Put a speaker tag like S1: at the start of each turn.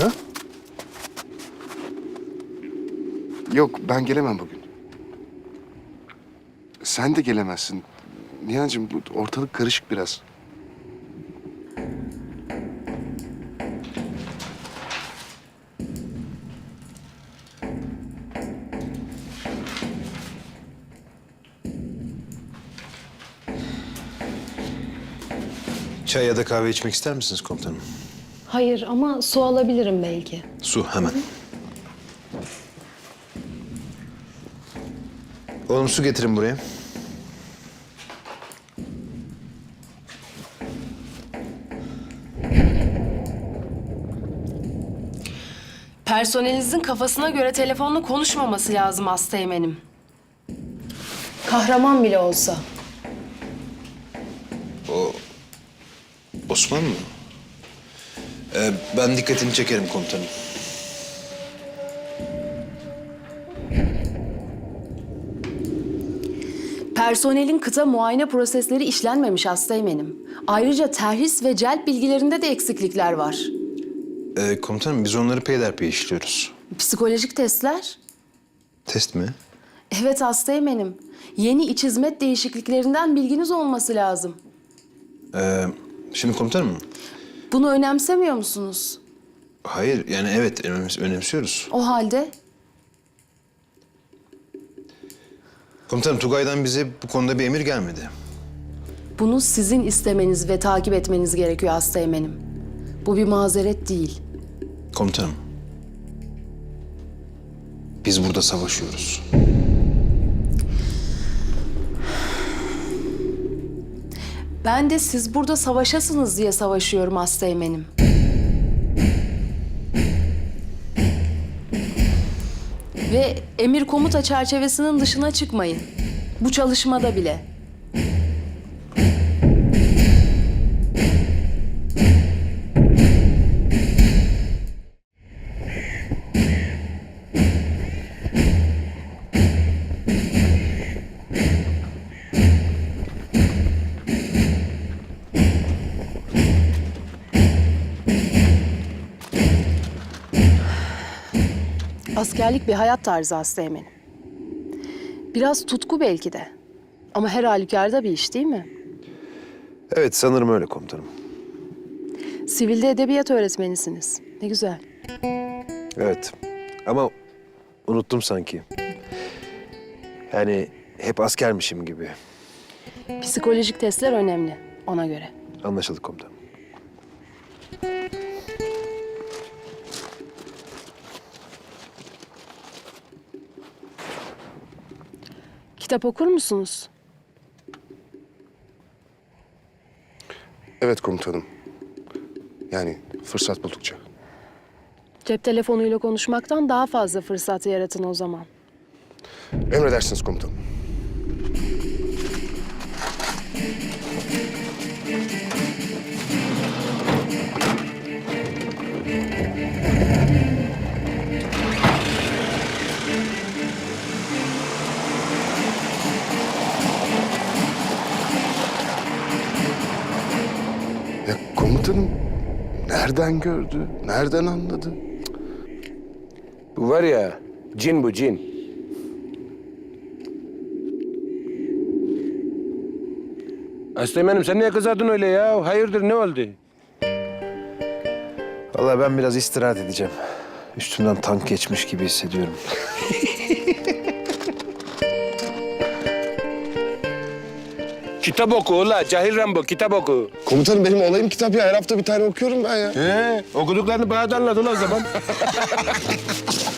S1: Ha?
S2: Yok, ben gelemem bugün. Sen de gelemezsin. Nihan'cığım, bu ortalık karışık biraz.
S1: Çay ya da kahve içmek ister misiniz komutanım?
S3: Hayır ama su alabilirim belki.
S1: Su hemen. Oğlum su getirin buraya.
S3: Personelinizin kafasına göre telefonla konuşmaması lazım Asteğmen'im. Kahraman bile olsa.
S1: Osman mı? Ben dikkatini çekerim komutanım.
S3: Personelin kıta muayene prosesleri işlenmemiş Asteğmen'im. Ayrıca terhis ve celp bilgilerinde de eksiklikler var.
S1: Komutanım biz onları peyderpey işliyoruz.
S3: Psikolojik testler?
S1: Test mi?
S3: Evet Asteğmen'im. Yeni iç hizmet değişikliklerinden bilginiz olması lazım.
S1: Şimdi komutanım.
S3: Bunu önemsemiyor musunuz?
S1: Hayır yani evet önemsiyoruz.
S3: O halde
S1: Komutanım Tugay'dan bize bu konuda bir emir gelmedi.
S3: bunu sizin istemeniz ve takip etmeniz gerekiyor Asteğmen'im. Bu bir mazeret değil.
S1: Komutanım. Biz burada savaşıyoruz.
S3: Ben de siz burada savaşasınız diye savaşıyorum Asteğmen'im. Ve emir komuta çerçevesinin dışına çıkmayın. Bu çalışmada bile. Askerlik bir hayat tarzı Asteğmen'im. Biraz tutku belki de. Ama her halükarda bir iş değil mi?
S1: Evet sanırım öyle komutanım.
S3: Sivilde edebiyat öğretmenisiniz. Ne güzel.
S1: Evet ama unuttum sanki. Yani hep askermişim gibi.
S3: Psikolojik testler önemli ona göre.
S1: Anlaşıldı komutanım.
S3: Kitap okur musunuz?
S2: Evet komutanım. Yani fırsat buldukça.
S3: Cep telefonuyla konuşmaktan daha fazla fırsat yaratın o zaman.
S2: Emredersiniz komutanım. Ya komutanım, nereden gördü, nereden anladı?
S4: Bu var ya, cin bu cin. Asteğmen'im sen niye kızardın öyle ya? Hayırdır ne oldu?
S1: Vallahi ben biraz istirahat edeceğim. Üstümden tank geçmiş gibi hissediyorum.
S4: Kitap oku ula, cahil Rambo kitap oku.
S2: Komutanım benim olayım kitap ya. Her hafta bir tane okuyorum ben ya.
S4: Okuduklarını bana da anlat ula o zaman.